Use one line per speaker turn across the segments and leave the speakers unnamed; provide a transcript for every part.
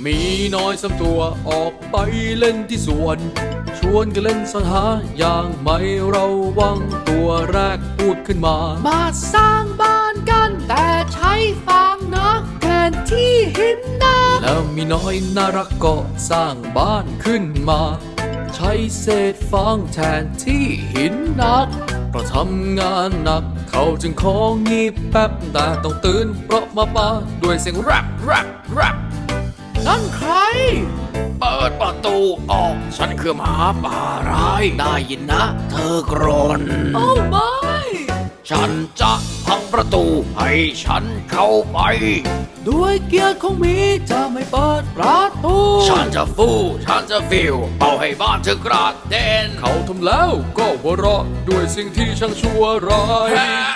มีน้อยสามตัวออกไปเล่นที่สวนชวนกันเล่นซ่อนหาอย่างไม่เราวังตัวแรกพูดขึ้นมา
สร้างบ้านกันแต่ใช้ฟางนะแทนที่หินนะ
แล้วมีน้อยน่ารักก็สร้างบ้านขึ้นมาใช้เศษฟางแทนที่หินหนักเพราะทำงานหนักเขาจึงของงีบแป๊บแต่ต้องตื่นเพราะมาป่าด้วยเสียงแรป
นั่นใคร
เปิดประตูออกฉันคือหมาป่าร้ายได้ยินนะเธอกรน
โอ้ไม่
ฉันจะพังประตูให้ฉันเข้าไป
ด้วยเกียรติของมีจะไม่เปิดประตู
ฉันจะฟิวเป่าให้บ้านเธอกระเด็นเขาทำแล้วก็หัวเราะด้วยสิ่งที่ช่างชั่วร้าย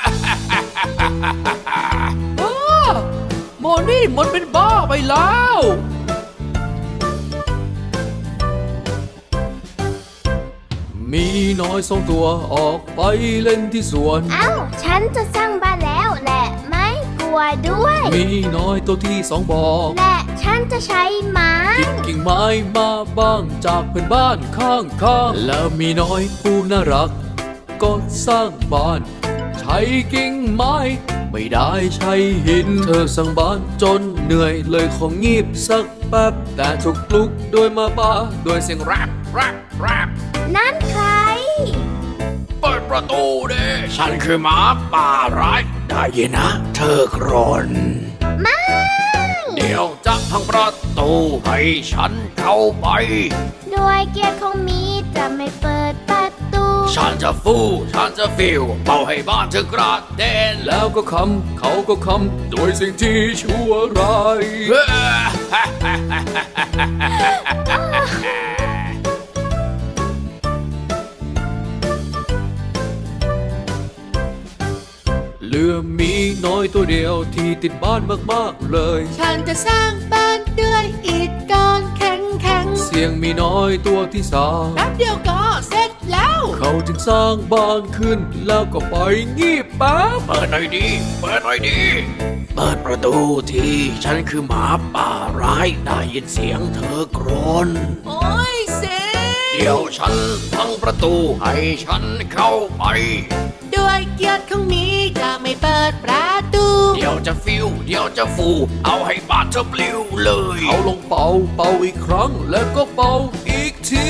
โมนี่มันเป็นบ้าไปแล้ว
มีน้อยสองตัวออกไปเล่นที่สวน
ฉันจะสร้างบ้านแล้วและไม่กลัวด้วย
มีน้อยตัวที่สองบอก
และฉันจะใช้ไม้
กิ่งไม้มาบ้างจากเพื่อนบ้านข้างๆแล้วมีน้อยผู้น่ารักก็สร้างบ้านใช้กิ่งไม้ไม่ได้ใช้หินเธอสร้างบ้านจนเหนื่อยเลยของงีบสักแป๊บแต่ถูกปลุกโดยมาป่าด้วยเสียงแรป
นั่นใคร
เปิดประตูดิฉันคือหมาป่าร้ายได้ยินนะเธอกรน
ไม่
เดี๋ยวจะพังประตูให้ฉันเข้าไป
ด้วยเกียรติของมีจะไม่เปิดประตู
ฉันจะฟิวเป่าให้บ้านเธอกระเด็นแล้วก็เขาก็คำด้วยสิ่งที่ชั่วร้ายเหลือมีน้อยตัวเดียวที่ติดบ้านมากๆเลย
ฉันจะสร้างบ้านด้วยอิฐก้อนแข็ง
เสียงมีน้อยตัวที่สาม
แป๊บเดียวก็เสร็จแล้ว
เขาจึงสร้างบ้านขึ้นแล้วก็ไปงีบแป๊บเปิดหน่อยดีเปิดประตูทีฉันคือหมาป่าร้ายได้ยินเสียงเธอกรน
โอ้ยเสีย
เดี๋ยวฉันพังประตูให้ฉันเข้าไป
ด้วยเกียรติของมีจะไม่เปิดประตู
เดี๋ยวจะฟูเอาให้บ้านเธอปลิวเลยเอาลงเป่าอีกครั้งแล้วก็เป่าอีกที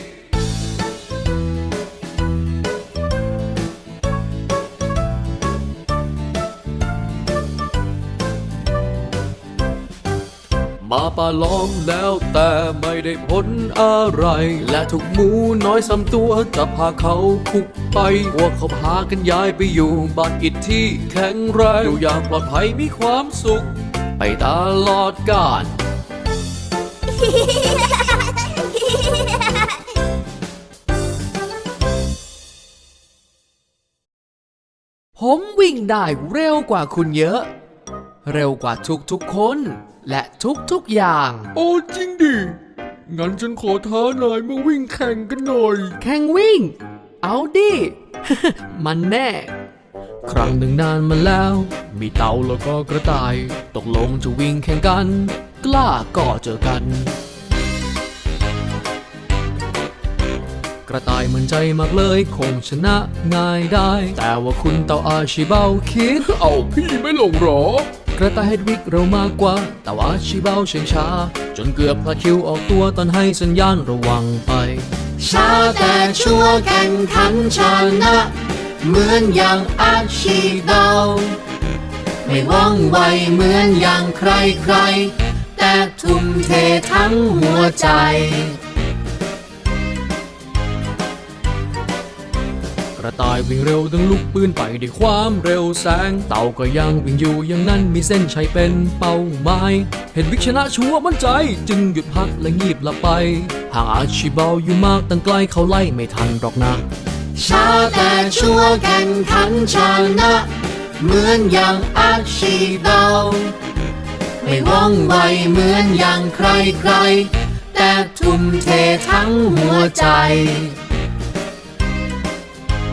มาป่าล้อมแล้วแต่ไม่ได้ผลอะไรและทุกหมูน้อยสามตัวจะพาเขาคุกไปพวกเขาพากันย้ายไปอยู่บ้านอิฐที่แข็งแรงอยู่อย่างปลอดภัยมีความสุขไปตลอดกาล
ผมวิ่งได้เร็วกว่าคุณเยอะเร็วกว่าทุกคนและทุกอย่าง
โอ้จริงดิงั้นฉันขอท้านายมาวิ่งแข่งกันหน่อย
แข่งวิ่งเอาดิ มันแน่
ครั้งหนึ่งนานมาแล้วมีเต่าแล้วก็กระต่ายตกลงจะวิ่งแข่งกันกล้าก็เจอกันกระต่ายมั่นใจมากเลยคงชนะง่ายได้แต่ว่าคุณเต่าอาชิเบาคิดเอาพี่ไม่ลงหรอกระต่ายเฮดวิกเร็วมากกว่าแต่ว่าอาชิเบาเฉยช้าจนเกือบพลาดคิวออกตัวตอนให้สัญญาณระวังไป
ช้าแต่ชัวร์แข่งขันชนะเหมือนอย่างอาชิเบาไม่ว่องไวเหมือนอย่างใครแต่ทุ่มเททั้งหัวใจ
กระต่ายวิ่งเร็วดังลูกปืนไปด้วยความเร็วแสงเต่าก็ยังวิ่งอยู่อย่างนั้นมีเส้นชัยเป็นเป้าหมายเห็นวิกชนะชัวมั่นใจจึงหยุดพักและงีบหลับไปห่างอาชิเบาอยู่มากตั้งไกลเขาไล่ไม่ทันหรอกนะ
ช้าแต่ชัวร์แข่งขันชนะเหมือนอย่างอาชิเบาไม่ว่องไวเหมือนอย่างใครแต่ทุ่มเททั้งหัวใจ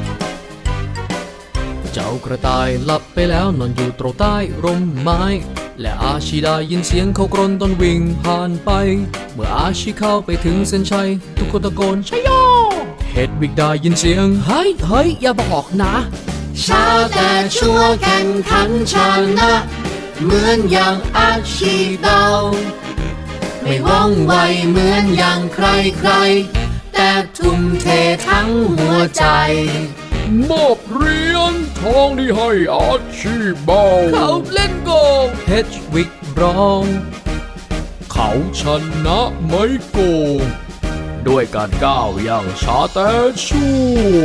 เจ้ากระต่ายหลับไปแล้วนอนอยู่ตรงใต้ร่มไม้และอาชีได้ยินเสียงเขากรนตอนวิ่งผ่านไปเมื่ออาชีเข้าไปถึงเส้นชัยทุกคนตะโกนชัยโยเฮดวิกได้ยินเสียงเฮ้ยอย่าบอกนะ
ช้าแต่ชั่วแข่งขันชนะเหมือนอย่างอาชีเดาไม่ว่องไวเหมือนอย่างใครแต่ทุ่มเททั้งหัวใจ
มอบเหรียญทองที่ให้อาชีเบาเขาเล่นโกเฮดวิกร้องเขาชนะไม่โกงด้วยการก้าวอย่างช้าแต่ชั่ว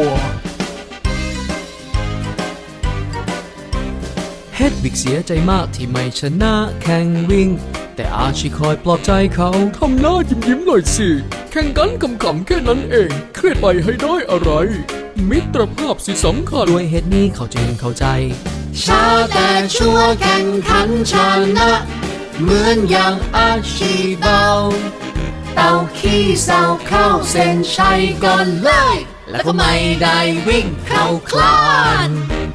เฮดวิกเสียใจมากที่ไม่ชนะแข่งวิ่งแต่อาชีคอยปลอบใจเขาทำหน้ายิ้มหน่อยสิแข่งกันขำๆแค่นั้นเองเครียดไปให้ได้อะไรมิตรภาพสิสำคัญด้วยเหตุนี้เขาจึงเข้าใจ
ช้าแต่ชั่วแข่งขันชนะเหมือนอย่างอาชีเบาเต่าขี้เศร้าเข้าเส้นชัยก่อนเลยแล้วก็ไม่ได้วิ่งเข้าคลาน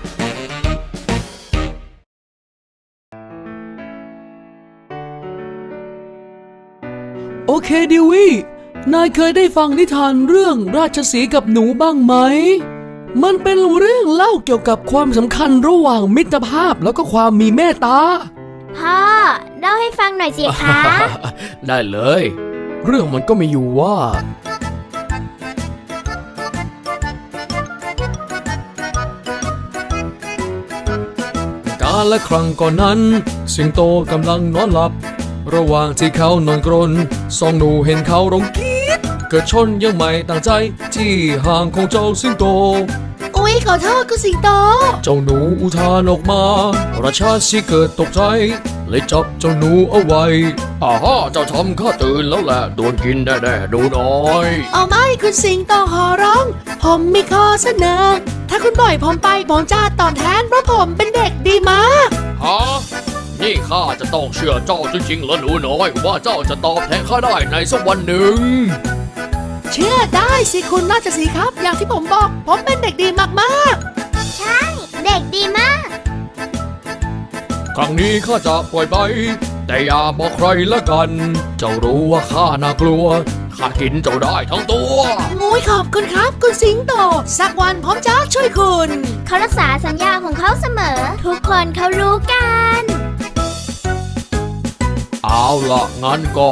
โอเคดิวี่นายเคยได้ฟังนิทานเรื่องราชสีห์กับหนูบ้างไหมมันเป็นเรื่องเล่าเกี่ยวกับความสำคัญระหว่างมิตรภาพแล้วก็ความมีเมตตา
พ่อเล่าให้ฟังหน่อยสิคะ
ได้เลยเรื่องมันก็มีอยู่ว่าการละครั้งก่อนนั้นสิงโตกำลังนอนหลับระหว่างที่เขานอนกรนสองหนูเห็นเขาร้องกรี๊ดเกิดชนยังไม่ตั้งใจที่ห่างของเจ้าสิงโต
อุ๊ยขอโทษคุณสิงโต
เจ้าหนูอุทานออกมาราชาสีเกิดตกใจเลยจับเจ้าหนูเอาไว้อาฮ่าเจ้าทำข้าตื่นแล้วแหละโดนกินแน่ๆดูหน่อย
เอาไม่คุณสิงโตขอร้องผมมีข้อเสนอถ้าคุณปล่อยผมไปผมจะตอบแทนเพราะผมเป็นเด็กดีมาก
ฮะนี่ข้าจะต้องเชื่อเจ้าจริงๆเหรอหนูน้อยว่าเจ้าจะตอบแทนข้าได้ในสักวันหนึ่ง
เชื่อได้สิคุณราชสีห์ครับอย่างที่ผมบอกผมเป็นเด็กดีมาก
ๆใช่เด็กดีมาก
ครั้งนี้ข้าจะปล่อยไปแต่อย่าบอกใครละกันเจ้ารู้ว่าข้าน่ากลัวข้ากินเจ้าได้ทั้งตัว
งูยขอบคุณครับคุณสิงโตสักวันผมจะช่วยคุณ
เขารักษาสัญญาของเขาเสมอทุกคนเขารู้กัน
เอาล่ะงั้นก็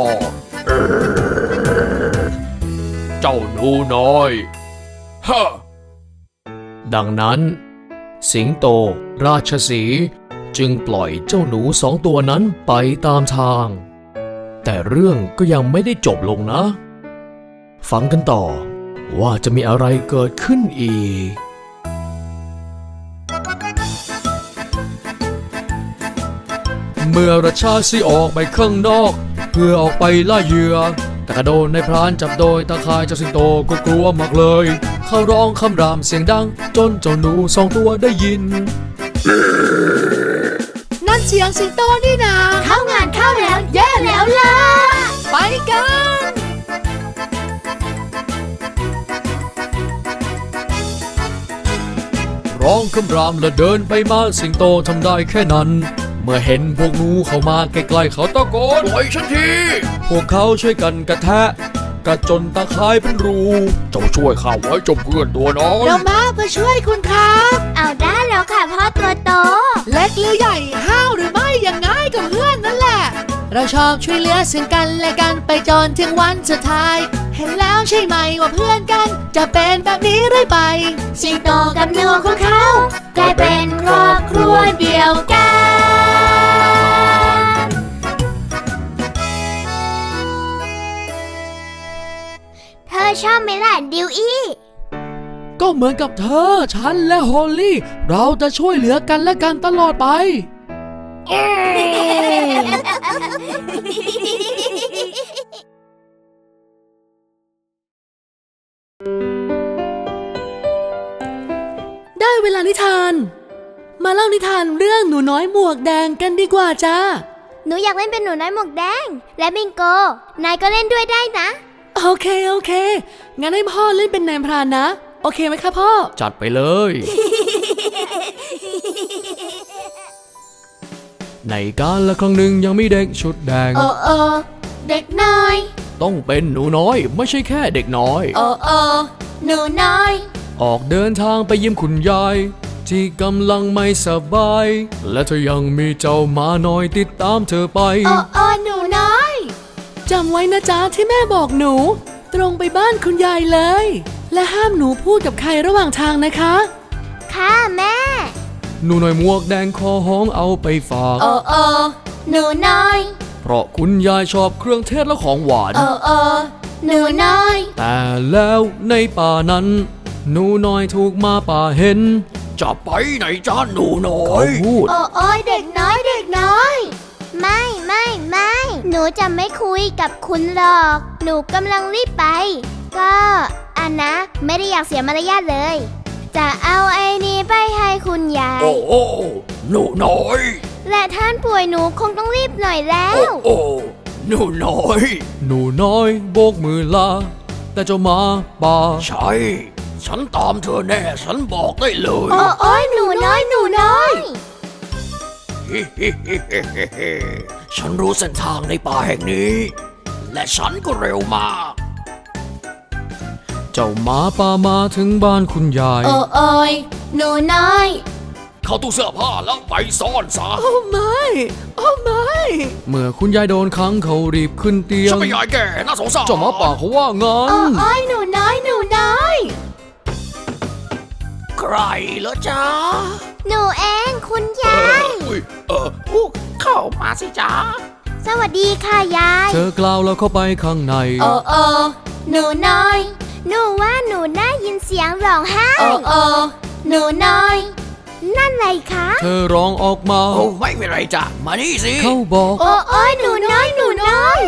เจ้าหนูน้อยฮะดังนั้นสิงโตราชสีห์จึงปล่อยเจ้าหนูสองตัวนั้นไปตามทางแต่เรื่องก็ยังไม่ได้จบลงนะฟังกันต่อว่าจะมีอะไรเกิดขึ้นอีกเมื่อราชาสีห์ออกไปข้างนอกเพื่อออกไปล่าเหยื่อแต่กระโดนในพรานจับโดยตาข่ายเจ้าสิงโตก็กลัวมากเลยเขาร้องคำรามเสียงดังจนเจ้าหนูสองตัวได้ยิน
นั่นเสียงสิงโตนี่นา
เข้างานเข้าแล้วแย่แล้วล่ะ
ไปกัน
ร้องคำรามและเดินไปมาสิงโตทำได้แค่นั้นเมื่อเห็นพวกหนูเข้ามาใกล้ๆเขาตะโกนปล่อยฉันทีพวกเขาช่วยกันกระแทะกระจนตาข่ายเป็นรูเจ้าช่วยข้าไว้จบเพื่อนตัวน้อย
เรามาเพื่อช่วยคุณครับ
เอาได้แล้วค่ะพ่อตัวโต
เล็กหรือใหญ่ห้าวหรือไม่อย่างง่ายกับเพื่อนนั่นแหละเราชอบช่วยเหลือซึ่งกันและกันไปจนถึงวันสุดท้ายเห็นแล้วใช่ไหมว่าเพื่อนกันจะเป็นแบบนี้เรื่อยไป
สิงโตกับหนูของเขากลายเป็นครอบครัวเดียวกันเธอชอบไหมล่ะดิวอี้
ก็เหมือนกับเธอฉันและฮอลลี่เราจะช่วยเหลือกันและกันตลอดไป
ได้เวลานิทานมาเล่านิทานเรื่องหนูน้อยหมวกแดงกันดีกว่าจ้า
หนูอยากเล่นเป็นหนูน้อยหมวกแดงและบิงโกนายก็เล่นด้วยได้นะ
โอเคงั้นให้พ่อเล่นเป็นนายพรานนะโอเคไหมคะพ่อ
จัดไปเลย ณในกาลครั้งหนึ่งยังมีเด็กชุดแดง
โอ้โอเด็กน้อย
ต้องเป็นหนูน้อยไม่ใช่แค่เด็กน้อย
โอ้โอหนูน้อย
ออกเดินทางไปเยี่ยมคุณยายที่กำลังไม่สบาย และเธอยังมีเจ้าหมาน้อยติดตามเธอไป
โอ้โอหนูน้อย
จำไว้นะจ๊ะที่แม่บอกหนู ตรงไปบ้านคุณยายเลย และห้ามหนูพูดกับใครระหว่างทางนะคะ
ค่ะแม่
หนูน้อยหมวกแดงคอห้องเอาไปฝาก
โอ้โอหนูน้อย
เพราะคุณยายชอบเครื่องเทศและของหวาน
โอ้โอหนูน้อย
แต่แล้วในป่านั้น หนูน้อยถูกหมาป่าเห็น จะไปไหนจ้าหนูน้อยเขาพูด
โอ้โอยเด็กน้อยเด็กน้อย ไม่หนูจะไม่คุยกับคุณหรอก หนูกำลังรีบไป ก็อันนะไม่ได้อยากเสียมารยาทเลย จะเอาไอ้นี้ไปให้คุณยาย
โอ้โอ้หนูน้อย
และท่านป่วยหนูคงต้องรีบหน่อยแล้ว
โอ้หนูน้อย หนูน้อยโบกมือลาแต่เจ้าหมาป่าใช่ ฉันตามเธอแน่ฉันบอกได้เลย
โอ้โอยหนูน้อยหนูน้อย
ฉันรู้เส้นทางในป่าแห่งนี้ และฉันก็เร็วมาก เจ้าหมาป่ามาถึงบ้านคุณยาย
โอ้โอยหนูน้อย
เข้าตู้เสื้อผ้าแล้วไปซ่อนซะ
โอ้ไม่โอ้ไม่
เมื่อคุณยายโดนขังเขารีบขึ้นเตียง
ฉันไม่อยากแก่น่าสงสาร
เจ้าหมาป่าเขาว่างั้น
โอ้โอยหนูน้อยหนูน้อย
ใครเหรอจ๊ะ
หนูเองคุณยาย
เข้ามาสิจ๊ะ
สวัสดีค่ะยาย
เธอกล่าวแล้วเข้าไปข้างใน
โอ้โอหนูน้อย หนูว่าหนูได้ยินเสียงร้องไห้ โอ้โอหนูน้อย นั่นอะไรคะ
เธอร้องออกมา
โอ้ไม่เป็นไรจ้ะมานี่สิ
เขาบอก
โอ้โอยหนูน้อยหนูน้อย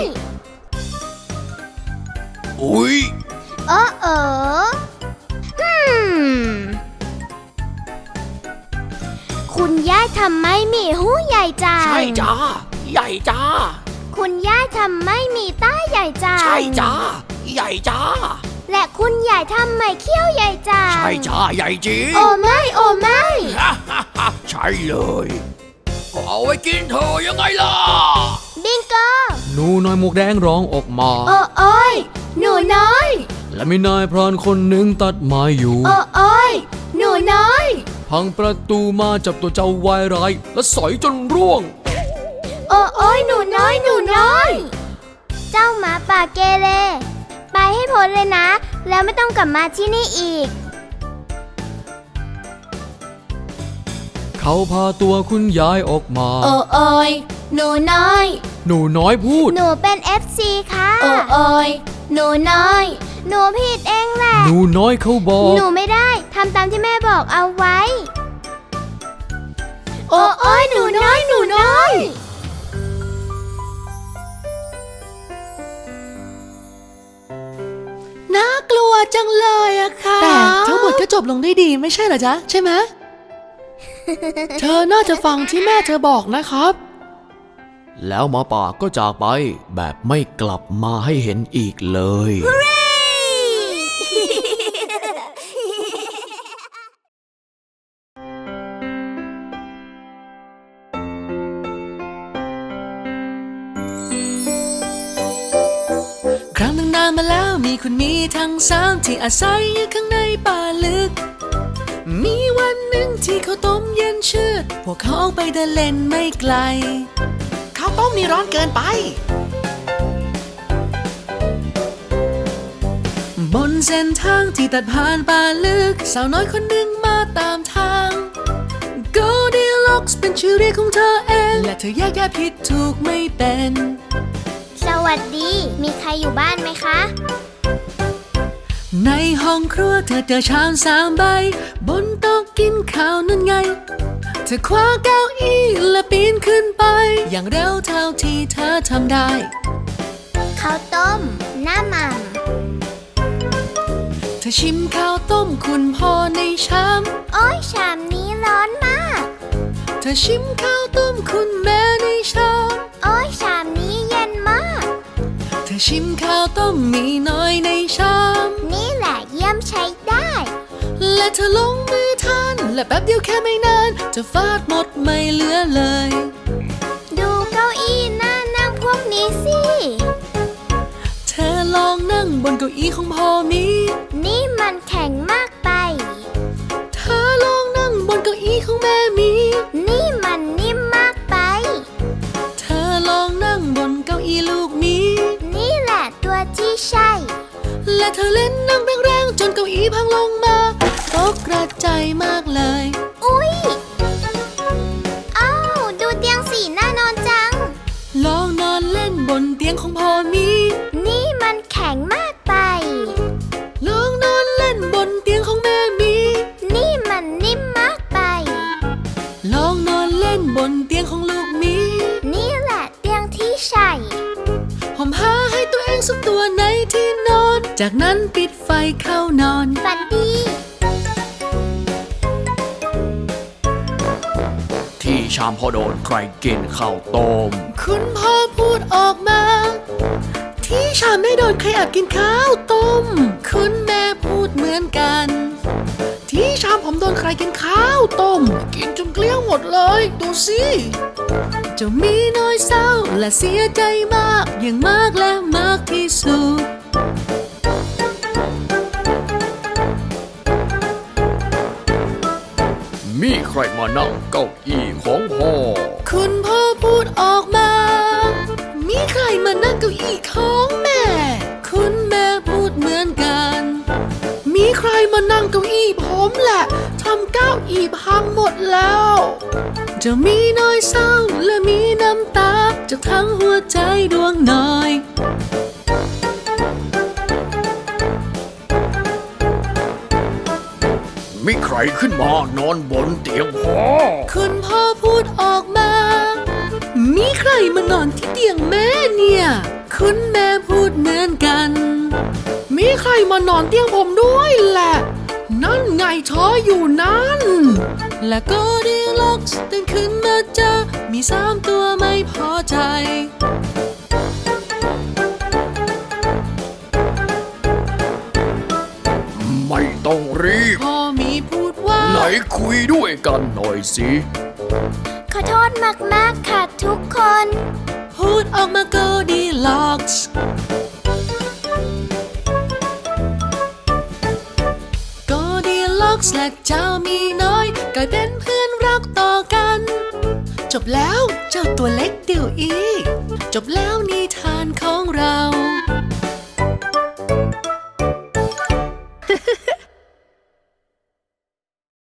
อุ้ย
โอ้โอคุณย่าทำไมมีหูใหญ่จัง
ใช่จ้าใหญ่จ้า
คุณย่าทำไมมีตาใหญ่จัง
ใช่จ้าใหญ่จ้า
และคุณยายทำไมเขี้ยวใหญ่จัง
ใช่จ้าใหญ่จริง
โอ้ไม่โอ้ไม่
ใช่เลยก็เอาไว้กินเธอยังไงล่ะ
บิงโก
หนูน้อยหมวกแดงร้องออกมา
โอ้โอยหนูน้อย
และมีนายพรานคนหนึ่งตัดไม้อยู่
โอ้โอยหนูน้อย
พังประตูมาจับตัวเจ้าวายร้ายและสอยจนร่วง
โอ้โอยหนูน้อยหนูน้อย เจ้าหมาป่าเกเรไปให้พ้นเลยนะ แล้วไม่ต้องกลับมาที่นี่อีก
เขาพาตัวคุณยายออกมา
โอ้โอยหนูน้อย
หนูน้อยพูด
หนูเป็น FC ค่ะ โอ้โอยหนูน้อย หนูผิดเองแหละ
หนูน้อยเขาบอก
หนูไม่ได้ทำตามที่แม่บอกเอาไว้ โอ้โอยหนูน้อยหนูน้อย
น่ากลัวจังเลยอะค่ะ แต่ทั้งหมดก็จบลงได้ดีไม่ใช่เหรอจ๊ะ ใช่ไหม เธอน่าจะฟังที่แม่เธอบอกนะครับ
แล้วหมาป่าก็จากไปแบบไม่กลับมาให้เห็นอีกเลย
ครั้งหนึ่งนานมาแล้วมีคุณมีทั้งสามที่อาศัยอยู่ข้างในป่าลึก มีวันหนึ่งที่เขาวต้มเย็นชืดพวกเขาออกไปเดินเล่นไม่ไกล
ข้าวต้มนี่ร้อนเกินไป
บนเส้นทางที่ตัดผ่านป่าลึกสาวน้อยคนหนึ่งมาตามทาง Goldilocks เป็นชื่อเรียกของเธอเองและเธอแยกแยะผิดถูกไม่เป็น
สวัสดี มีใครอยู่บ้านไหมคะ
ในห้องครัวเธอเจอชาม3 ใบบนโต๊ะกินข้าวนั่นไงเธอคว้าเก้าอี้และปีนขึ้นไป อย่างเร็วเท่าที่เธอทำได้
ข้าวต้มหน้าหม่
เธอชิมข้าวต้มคุณพ่อในชาม
ำโอ้ยชามนี้ร้อนมาก
เธอชิมข้าวต้มคุณแม่ในชาม
โอ้ยชามนี้เย็นมาก
เธอชิมข้าวต้มมีน้อยในชาม
นี่แหละเยี่ยมใช้ได้
และเธอลงมือทานและแป๊บเดียวแค่ไม่นานเธอฟาดหมดไม่เหลือเลย
สิ
เธอลองนั่งบนเก้าอี้ของพ่อมี
นี่มันแข็งมากไป
เธอลองนั่งบนเก้าอี้ของแม่มี
นี่มันนิ่มมากไป
เธอลองนั่งบนเก้าอี้ลูกมี
นี่แหละตัวที่ใช่
และเธอเล่นนั่งแรงๆจนเก้าอี้พังลงมาตกกระจายมากเลย
อุ๊ยอ้าวดูเตียงสีน่านอนจัง
ลองนอนเล่นบนเตียงของพ่อมี
นี่มันแข็งมากไป
ลองนอนเล่นบนเตียงของแม่มี
นี่มันนิ่มมากไป
ลองนอนเล่นบนเตียงของลูกมี
นี่แหละเตียงที่ใช่
ห่มผ้าให้ตัวเองสักตัวในที่นอน จากนั้นปิดไฟเข้านอน
ฝันดี
ที่ชามพอโดนใครกินข้าวต้ม
คุณพ่อพูดออกมา ที่ชามได้โดนใครแอบกินข้าวต้ม คุณแม่พูดเหมือนกัน ที่ชามผมโดนใครกินข้าวต้ม กินจนเกลี้ยงหมดเลยดูสิเจ้ามีน้อยเศร้าและเสียใจมากอย่างมากและมากที่สุด
มีใครมานั่งเก้าอี้ของพ่อ
คุณพ่อพูดออกมา มีใครมานั่งเก้าอี้ของแม่ คุณแม่พูดเหมือนกัน มีใครมานั่งเก้าอี้ผมแหละทำเก้าอี้พังหมดแล้ว จะมีน้อยเศร้าและมีน้ำตาจากทั้งหัวใจดวงน้อย
มีใครขึ้นมานอนบนเตียงพ่อ
คุณพ่อพูดออกมา มีใครมานอนที่เตียงแม่เนี่ย คุณแม่พูดเหมือนกัน มีใครมานอนเตียงผมด้วยแหละ นั่นไงเธออยู่นั่น และก็ดีล็อกส์ตื่นขึ้นมาเจอมี3 ตัวไม่พอใจ
ไม่ต้องรีบ
พ่อมีพูดว่า
ไหนคุยด้วยกันหน่อยสิ
ขอโทษมากๆค่ะทุกคน
พูดออกมาก็ดีล็อกส์ก็ดีล็อกส์และเจ้ามีน้อยกลายเป็นเพื่อนรักต่อกัน จบแล้วเจ้าตัวเล็กเดี่ยวอีจบแล้วนิทานของเรา